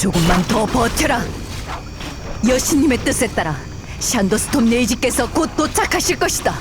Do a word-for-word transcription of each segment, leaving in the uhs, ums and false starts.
조금만 더 버텨라. 여신님의 뜻에 따라 샨도스톰 네이지께서 곧 도착하실 것이다.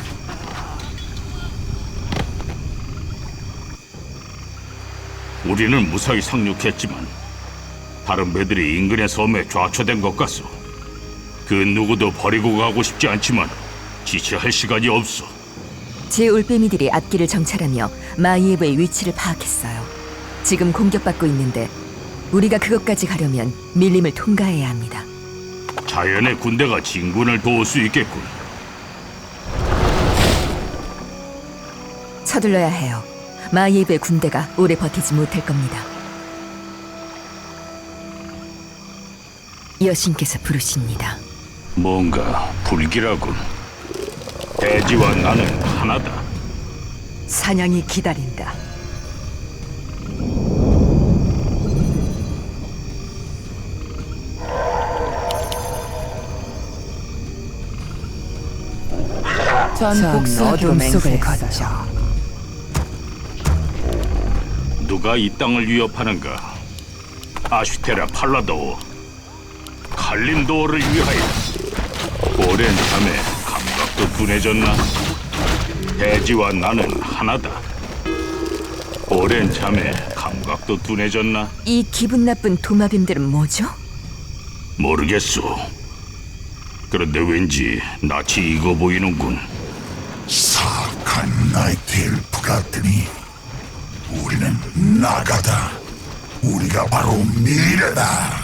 우리는 무사히 상륙했지만 다른 배들이 인근의 섬에 좌초된 것 같소. 그 누구도 버리고 가고 싶지 않지만 지체할 시간이 없어. 제 올빼미들이 앞길을 정찰하며 마이에브의 위치를 파악했어요. 지금 공격받고 있는데 우리가 그것까지 가려면 밀림을 통과해야 합니다. 자연의 군대가 진군을 도울 수 있겠군. 서둘러야 해요. 마이에브의 군대가 오래 버티지 못할 겁니다. 여신께서 부르십니다. 뭔가 불길하군. 대지와 나는 하나다. 사냥이 기다린다. 전 어둠 속을 걷죠. 누가 이 땅을 위협하는가? 아슈테라 팔라도어, 칼림도어를 위하여. 오랜 잠에 감각도 둔해졌나? 대지와 나는 하나다. 오랜 잠에 감각도 둔해졌나? 이 기분 나쁜 도마뱀들은 뭐죠? 모르겠소. 그런데 왠지 낯이 익어 보이는군. 사악한 나이트 엘프가 뜨니 우리는 나가다. 우리가 바로 미래다.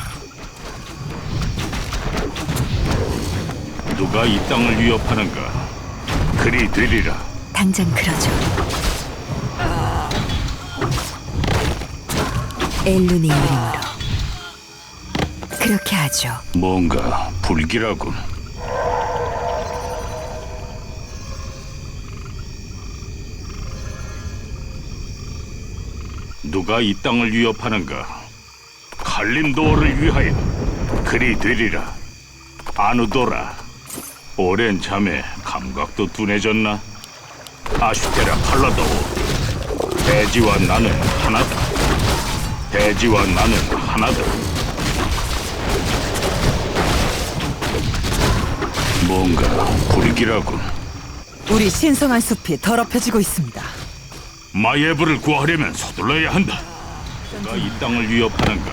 누가 이 땅을 위협하는가? 그리 되리라. 당장 그러죠. 엘룬의 이름으로 그렇게 하죠. 뭔가 불길하군. 누가 이 땅을 위협하는가? 칼림도어를 위하여. 그리 되리라. 아누도라. 오랜 잠에 감각도 둔해졌나? 아슈테라 팔라도어. 대지와 나는 하나다. 대지와 나는 하나다. 뭔가 불길하군. 우리 신성한 숲이 더럽혀지고 있습니다. 마예브를 구하려면 서둘러야 한다. 누가 이 땅을 위협하는가?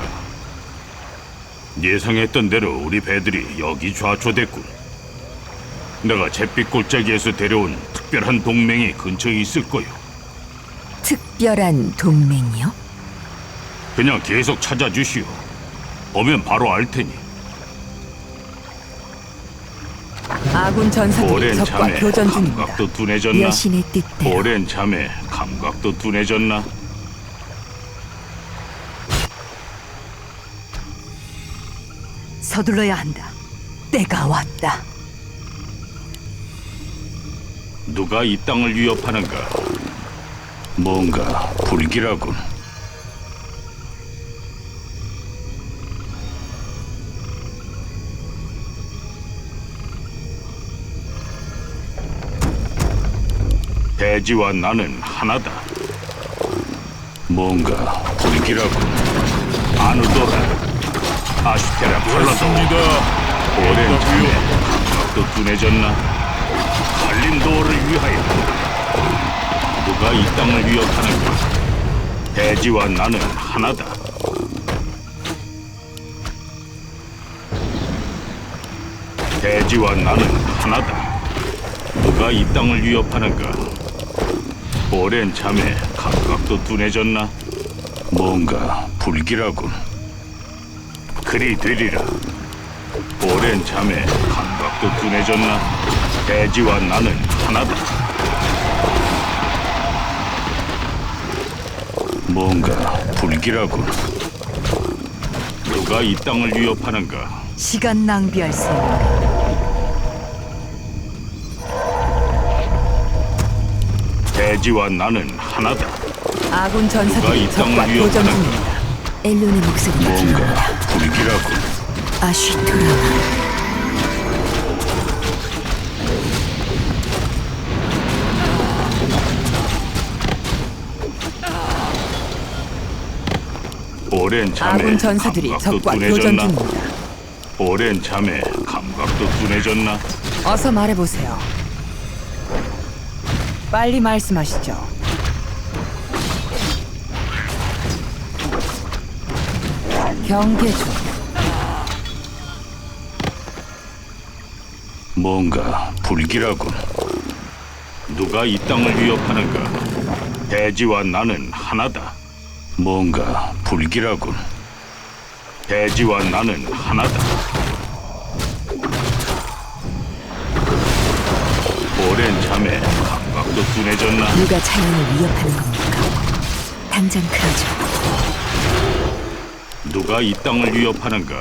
예상했던 대로 우리 배들이 여기 좌초됐군. 내가 잿빛 골짜기에서 데려온 특별한 동맹이 근처에 있을 거요. 특별한 동맹이요? 그냥 계속 찾아주시오. 보면 바로 알 테니. 아군 전사들이 오랜 적과 잠에 교전 중입니다. 감각도 둔해졌나? 여신의 뜻대로 오랜 잠에 감각도 둔해졌나? 서둘러야 한다. 때가 왔다. 누가 이 땅을 위협하는가? 뭔가 불길하군. 대지와 나는 하나다. 뭔가 불길하군. 아누도라. 아슈테라 팔라도. 오랜 잠에 감각도 둔해졌나? 칼림도어를 위하여. 누가 이 땅을 위협하는가? 대지와 나는 하나다. 대지와 나는 하나다. 누가 이 땅을 위협하는가? 오랜 잠에 감각도 둔해졌나? 뭔가 불길하군. 그리 되리라. 오랜 잠에 감각도 둔해졌나? 대지와 나는 하나다. 뭔가 불길하군. 누가 이 땅을 위협하는가? 시간 낭비할 수 없다. 대지와 나는 하나다. 아군 누가 이 전사들이 땅을 적과 교전 위협하는가? 중입니다. 엘룬의 목소리가 뭔가 들려온다. 불길하군. 아쉬토라마. 오랜 잠에 아군 전사들이 감각도 적과 교전 둔해졌나? 중입니다. 오랜 잠에 감각도 둔해졌나? 어서 말해보세요. 빨리 말씀하시죠. 경계 중. 뭔가 불길하군. 누가 이 땅을 위협하는가? 대지와 나는 하나다. 뭔가 불길하군. 대지와 나는 하나다. 오랜 잠에 감각도 둔해졌나? 누가 자연을 위협하는 겁니까? 당장 그러죠. 누가 이 땅을 위협하는가?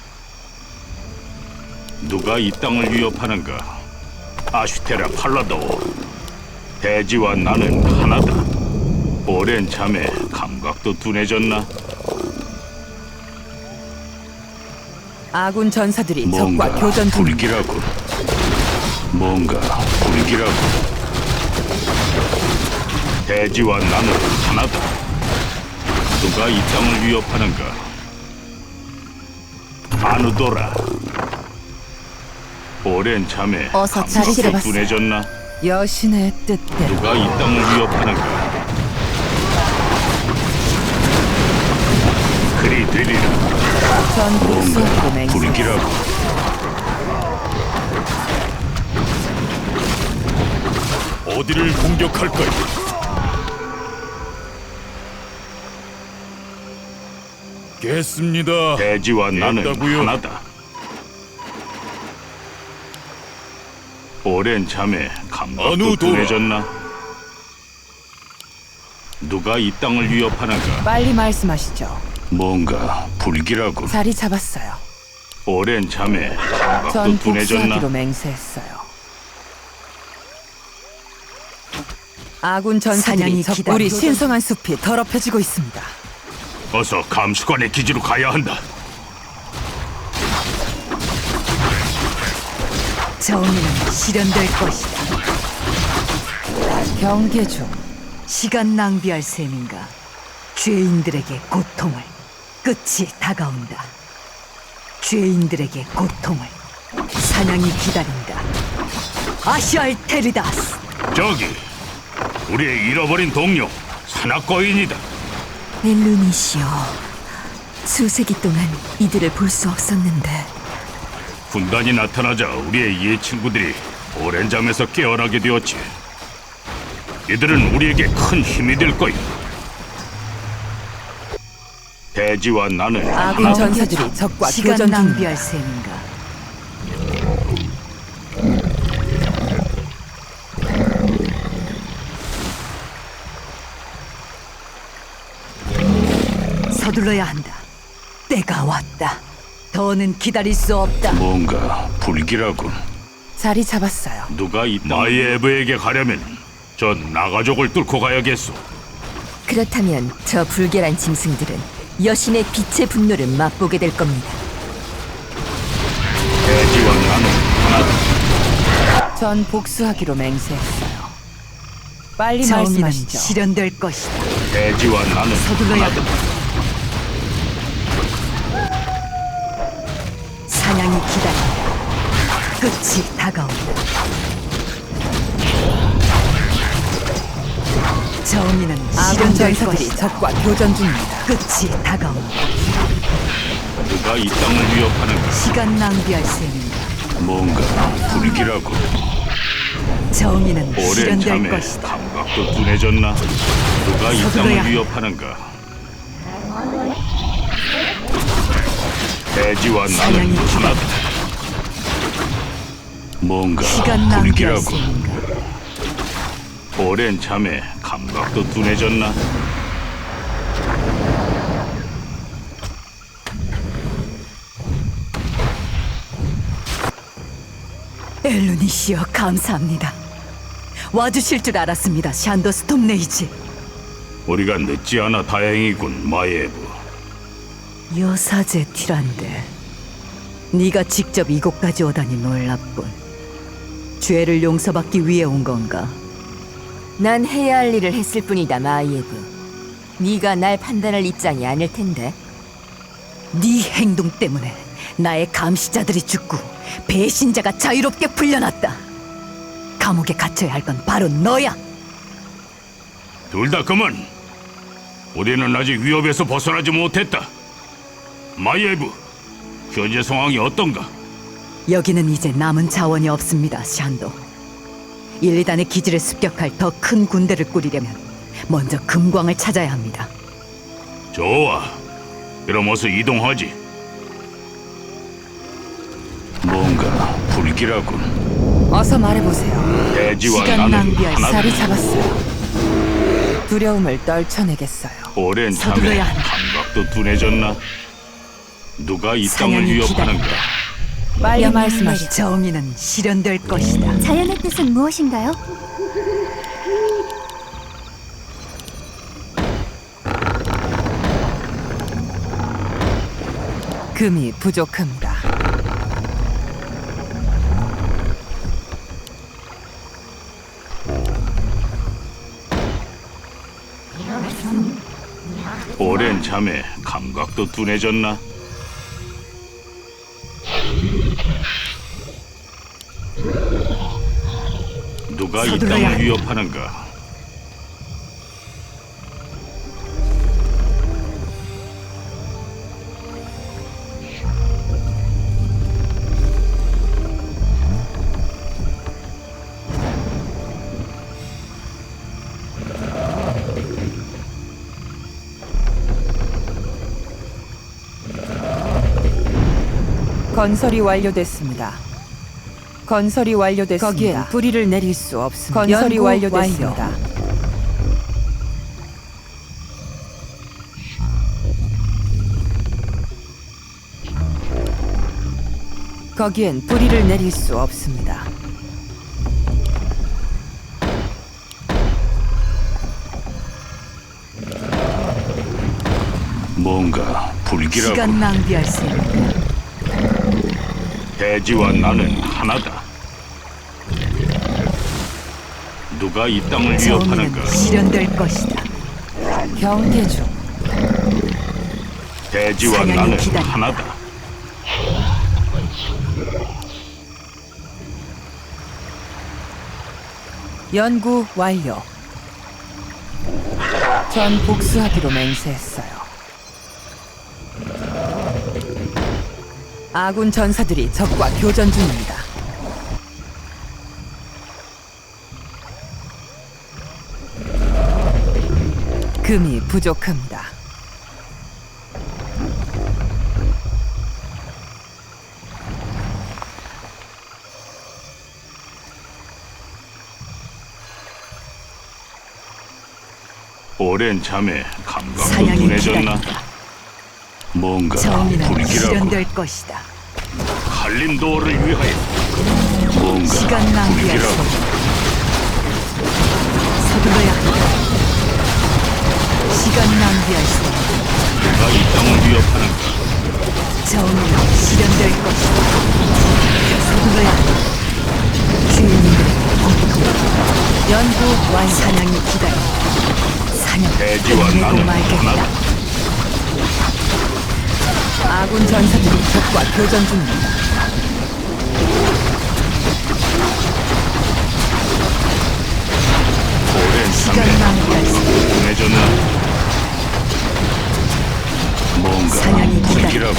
누가 이 땅을 위협하는가? 아슈테라 팔라도. 대지와 나는 하나다. 오랜 잠에 감각도 둔해졌나? 아군 전사들이 뭔가 적과 교전 중. 불길하군. 뭔가 불길하군. 대지와 나는 하나다. 누가 이 땅을 위협하는가? 아누도라. 오랜 잠에 어서 감각도 자리를 봤어요. 둔해졌나? 여신의 뜻대로. 누가 이 땅을 위협하는가? 그리 되리라. 전 복수하고 뭔가 맹세. 불길하고. 어디를 공격할까요? 겠습니다. 대지와 나는 됐다고요? 하나다. 오랜 잠에 감각도 어느 도라? 둔해졌나? 누가 이 땅을 위협하는가? 빨리 말씀하시죠. 뭔가 불길하군. 자리 잡았어요. 오랜 잠에 감각도 전 둔해졌나? 복수하기로 맹세했어요. 아군 전사들이 사냥이 적 기다려- 우리 신성한 숲이 더럽혀지고 있습니다. 어서 감수관의 기지로 가야 한다. 정의는 실현될 것이다. 경계 중. 시간 낭비할 셈인가? 죄인들에게 고통을. 끝이 다가온다. 죄인들에게 고통을. 사냥이 기다린다. 아시알테리다스. 저기 우리의 잃어버린 동료 산악거인이다. 엘루니시여, 수세기 동안 이들을 볼 수 없었는데 군단이 나타나자 우리의 이해 친구들이 오랜 잠에서 깨어나게 되었지. 이들은 우리에게 큰 힘이 될 거야. 대지와 나는 아군 하나. 전사들이 적과 시간 교전 중입니다. 낭비할 셈인가? 서둘러야 한다. 때가 왔다. 더는 기다릴 수 없다. 뭔가 불길하군. 자리 잡았어요. 누가 이 마이에브에게 가려면 저 나가족을 뚫고 가야겠소. 그렇다면 저 불결한 짐승들은 여신의 빛의 분노를 맛보게 될 겁니다. 대지와 나는 하나다. 전 복수하기로 맹세했어요. 빨리 정의는 말씀하시죠. 실현될 것이다. 대지와 나는 서둘러야 하나다. 한다. 사냥이 기다린다. 끝이 다가온다. 정의는 아군 실현될 전사들이 것이다. 적과 교전 중입니다. 끝이 다가온다. 누가 이 땅을 위협하는가? 시간 낭비할 셈인가? 뭔가 불길하고. 정의는 오랜 실현될 잠에 것이다. 감각도 둔해졌나? 누가 이 서둘러야 땅을 위협하는가? 대지와 나는 사냥이 하나다. 뭔가 시간 낭비할 불길하고. 셈인가? 오랜 잠에 감각도 둔해졌나? 엘루니시여, 감사합니다. 와주실 줄 알았습니다, 샨더스톰 레이지. 우리가 늦지 않아 다행이군, 마예브. 여사제 티란데 네가 직접 이곳까지 오다니 놀랍군. 죄를 용서받기 위해 온 건가? 난 해야 할 일을 했을 뿐이다, 마이에브. 네가 날 판단할 입장이 아닐 텐데. 네 행동 때문에 나의 감시자들이 죽고 배신자가 자유롭게 풀려났다. 감옥에 갇혀야 할 건 바로 너야. 둘 다 그만. 우리는 아직 위협에서 벗어나지 못했다. 마이에브, 현재 상황이 어떤가? 여기는 이제 남은 자원이 없습니다, 샨도. 일, 이 단의 기지를 습격할 더 큰 군대를 꾸리려면 먼저 금광을 찾아야 합니다. 좋아. 그럼 어서 이동하지. 뭔가 불길하군. 어서 말해보세요. 대지와 시간 나는 낭비할 하나. 자리 잡았어요. 두려움을 떨쳐내겠어요. 오랜 참에 서둘러야 한다. 감각도 둔해졌나? 누가 이 땅을 사냥이 위협하는가? 빨리 명령을 말씀하시죠. 내려. 정의는 실현될 것이다. 자연의 뜻은 무엇인가요? 금이 부족합니다. 오랜 잠에 감각도 둔해졌나? 누가 이 서둘러야 땅을 한다. 위협하는가? 건설이 완료됐습니다. 건설이 완료됐습니다. 거기엔 뿌리를 내릴 수 없습니다. 건설이 연구 완료됐습니다. 거기엔 뿌리를 내릴 수 없습니다. 뭔가 불길하고. 시간 낭비할 수 있는 대지와 나는 하나다. 누가 이 땅을 위협하는가? 정의는 실현될 것이다. 경계 중. 대지와 사냥이 나는 기다린다. 하나다. 연구 완료. 전 복수하기로 맹세했어요. 아군 전사들이 적과 교전 중입니다. 금이 부족합니다. 오랜 잠에 감각도 사냥이 둔해졌나? 기다린다. 뭔가 정의는 불길하고. 실현될 것이다. 칼림도어를 위하여. 뭔가 시간 낭비할 수 불길하고. 없다. 서둘러야 한다. 시간 낭비할 수 없다. 누가 이 땅을 위협하는가? 정의는 실현될 것이다. 서둘러야 한다. 주인님들의 공포. 연구 완료. 사냥이 기다린다. 사냥 대지와 끝내고 나는 말겠다. 하나다. 아군 전사들이 적과 교전 중입니다. 오랜 시간 잠에 낭비할 수 없다. 둔해졌나? 뭔가 사냥이 불길하고.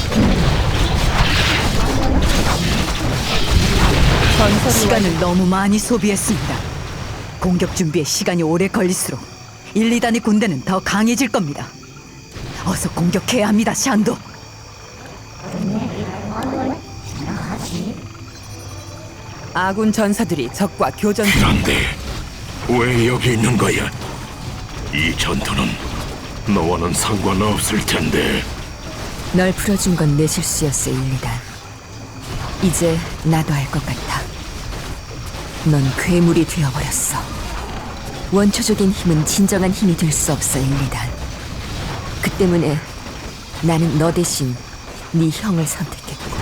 건설이 시간을 너무 많이 소비했습니다. 공격 준비에 시간이 오래 걸릴수록 일, 이 단의 군대는 더 강해질 겁니다. 어서 공격해야 합니다, 샨도. 아군 전사들이 적과 교전 중. 그런데 왜 여기 있는 거야? 이 전투는 너와는 상관없을 텐데. 널 풀어준 건 내 실수였어, 일리단. 이제 나도 알 것 같아. 넌 괴물이 되어버렸어. 원초적인 힘은 진정한 힘이 될 수 없어, 일리단. 그 때문에 나는 너 대신 네 형을 선택했고.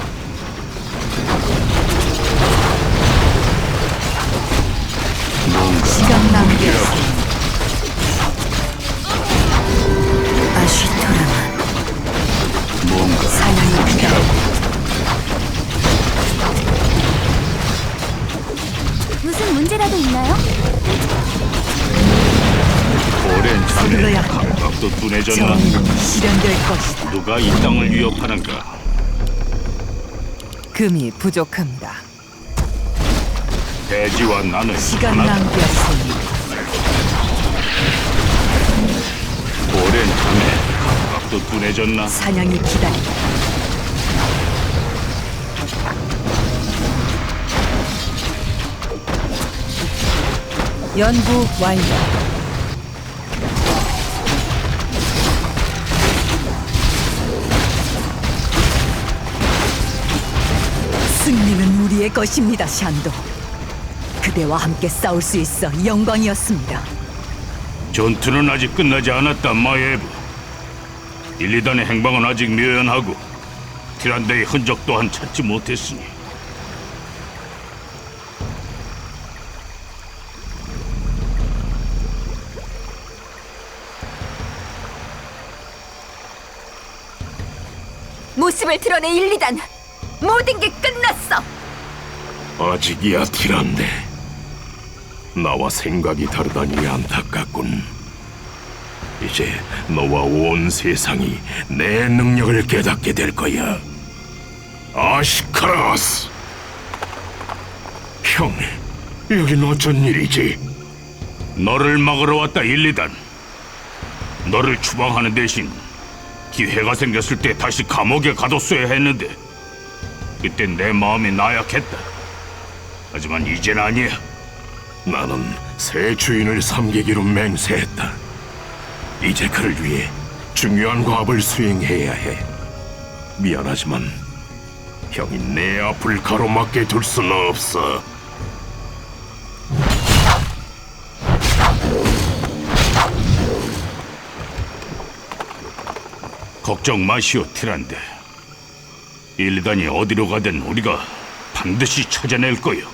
뭔가 시간 낭비할 수 불길하고. 없다. 아쉬토라만 뭔가 둔해졌나? 정의는 실현될 것이다. 누가 이 땅을 위협하는가? 금이 부족합니다. 대지와 나는 시간 하나다. 낭비하세요. 오랜 잠에 감각도 둔해졌나? 사냥이 기다린다. 연구 완료. 승리는 우리의 것입니다, 샨도. 그대와 함께 싸울 수 있어 영광이었습니다. 전투는 아직 끝나지 않았다, 마예브. 일, 이 단의 행방은 아직 묘연하고 티란데의 흔적 또한 찾지 못했으니 모습을 드러내 일, 이 단. 모든 게 끝났어. 아직이야, 티란데. 나와 생각이 다르다니 안타깝군. 이제 너와 온 세상이 내 능력을 깨닫게 될 거야. 아시카라스! 형, 여긴 어쩐 일이지? 너를 막으러 왔다, 일, 이 단. 너를 추방하는 대신 기회가 생겼을 때 다시 감옥에 가뒀어야 했는데 그때 내 마음이 나약했다. 하지만 이젠 아니야. 나는 새 주인을 섬기기로 맹세했다. 이제 그를 위해 중요한 과업을 수행해야 해. 미안하지만 형이 내 앞을 가로막게 둘 수는 없어. 걱정 마시오, 티란데. 일, 이 단이 어디로 가든 우리가 반드시 찾아낼 거요.